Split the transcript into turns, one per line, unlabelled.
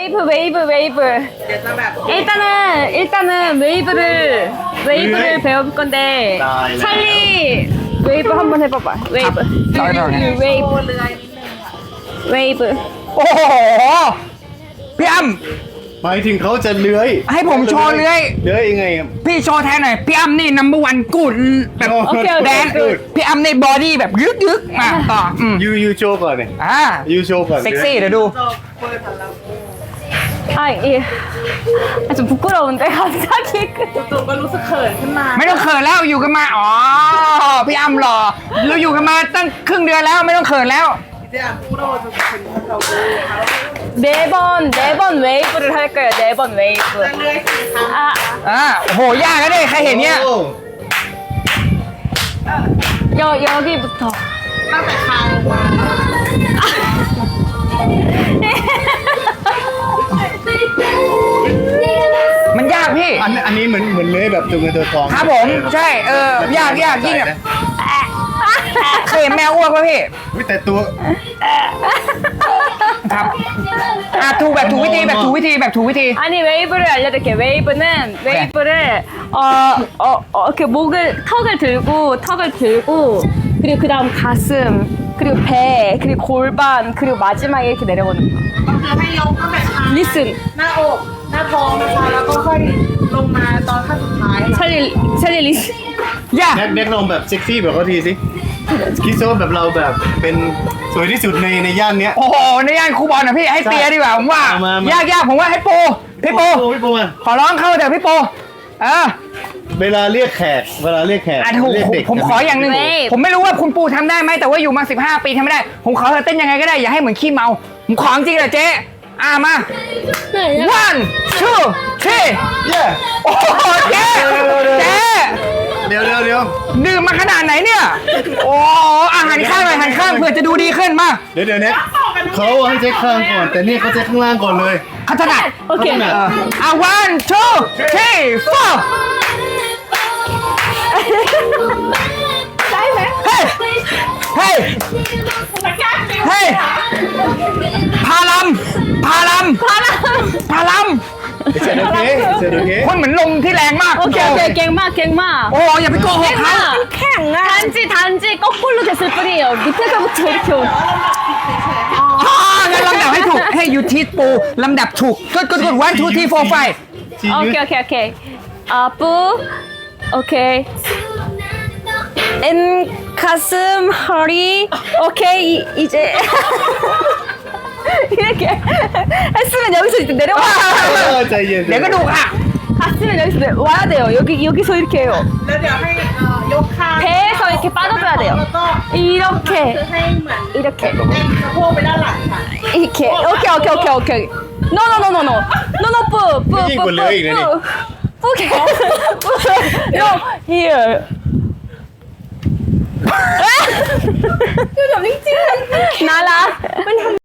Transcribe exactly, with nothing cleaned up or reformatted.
웨이브 웨이브 웨이브. 일단은 일단은 웨이브를 웨이브를 배울 건데 찰리 웨이브 한번 해봐봐. 웨이브. 웨이브. 웨이브.
โอ้โหพี่อ้ำ
หมายถึงเขาจะเลื้อย
ให้ผมโชว์เลื้อย
เลื้อยยังไงครับ
พี่โชว์แทนหน่อยพี่อ้ำนี่ นัมเบอร์วันกูดแบบ
โอเคโอเค
แดนพี่อ้ำในบอดี้แบบยึกยึกมาต่ออืม
ยูยูโชว์ก่อนเลย
อ่า
ยูโชว์ก่อน
เซ็กซี่เดี๋ยวดู
아 예. 아, 좀 부끄러운데 갑자기.
จู่ๆก็รู้สึกเขินขึ้นมา
ไม่ต้องเขินแล้วอยู่กันมาอ๋อพี่อ้ำหล่อเราอยู่กันมาตั้งครึ่งเดือนแล้วไม่ต้องเขินแล้ว
이제 안 부러워져서 괜찮다고
네 번 네 번 웨이브를 할 거예요. 네 번 웨이브.
เรื่อยๆสี่ครั้ง
아
อ่าโอ้โหยากนะเนี่ยใครเห็นเนี่ย
โอ้
여 여기부터.
ตั้งแต่คางลงมา
มันยากพี่
อันอันนี้เหมือนเหมือนเลื้อยแบบตัวเงินตัวทอง
ครับผมใช่เออยากยากยิ่งแบบเคยเห็นแมวอ้วกป่ะพี่
อุ๊ยแต่ตัว
ครับอ่ะถูกแบบถูกวิธีแบบถูกวิธีแบบถูกวิธี
아니 웨이브를 알려드릴게요. 웨이브는 웨이브를 어, 어, 어 이렇게 목을 턱을 들고 턱을 들고 그리고 그 다음 가슴 그리고 배 그리고 골반 그리고 마지막에 이렇게 내려오는 거.
ก็คือให้ยกตั้งแต่คาง
리슨
หน้าอกหน้าท้องนะคะแล้วก็ค่อยลงมาตอนขั้นสุดท้ายค่ะ
찰리 찰리 리슨.
ยาก
แน็กแน็กลองแบบเซ็กซี่แบบเขาทีสิคิดซะว่าแบบเราแบบเป็นสวยที่สุดในในย่านเนี้ย
โอ้โหในย่านครูบอลนะพี่ให้เปียดีกว่าผมว่า
เอามามาย
ากยากผมว่าให้โปพี่โป
พี่โปมา
ขอร้องเข้าเดี๋ยวพี่โปเออ
เวลาเรียกแขกเวลาเรียกแขก
อ่ะถูก
เรียกเด็ก
ผมขออย่างหนึ่ง
เว้ย
ผมไม่รู้ว่าคุณปูทำได้ไหมแต่ว่าอยู่มาสิบห้าปีทำไม่ได้ ผมขอเธอเต้นยังไงก็ได้อย่าให้เหมือนขี้เมาผมขอจริงเหรอเจ๊อ่ะมา one two three
เย้
โอ้โหเจ๊เจ๊
เดี๋ยวเดี๋ยวเดี๋ยว
ดื่มมาขนาดไหนเนี่ย โอ้อาหันข้างหน่อยหันข้างเพื่อจะดูดีขึ้นมา
เดี๋ยวเดี๋ยวเน็กเขาให้เช็คข้างก่อนแต่นี่เขาเช็คข้างล่างก่อนเลย
เขาถนัด
오케이.
เขาถนัด
เอออ่ะ one two three four เฮ้ยเฮ้ยเฮ้ยพาลัมพาลัมพาลัมพาลัม
เสร็จโอเคเสร็จโอเค
คนเหมือนลมที่แรงมาก
오케이 오케이 갱마 갱마.
โอ้อย่าไปโกหกเขา
갱마. 단지 단지 거꾸로 됐을 뿐이에요. 밑에서부터 이렇게. 오-
อ๋องั้นลำดับให้ถูกให้ยูทีปูลำดับถูกกดกดกด one two three four five
ชี้ยืด
오케이 오케이 오케이. 아뿌. 오케이. 엔 가슴 허리. 오케이 이- 이제 이렇게 했으면 여기서 이제 내려와.
เออใจเย็น
เดี๋ยวก็ดูกอ่ะ
갔으면 여기서 내- 와야 돼요. 여기 여기서 이렇게 해요.
แล้วเดี๋ยวให้เอ่อยกคาง
배에서 이렇게 빠져줘야 돼요.
แล้วก็
이렇게
คือให้เหมือน
이렇게
เด้งสะโพกไปด้านหลังค่ะ
이렇게. 오케이 오케이 오케이 오케이. 노노노노노. 노노 뿌. 뿌.
이게
뿌.
걸려요, 이거는?
뿌. 뿌게. 뿌. No here. น่ารัก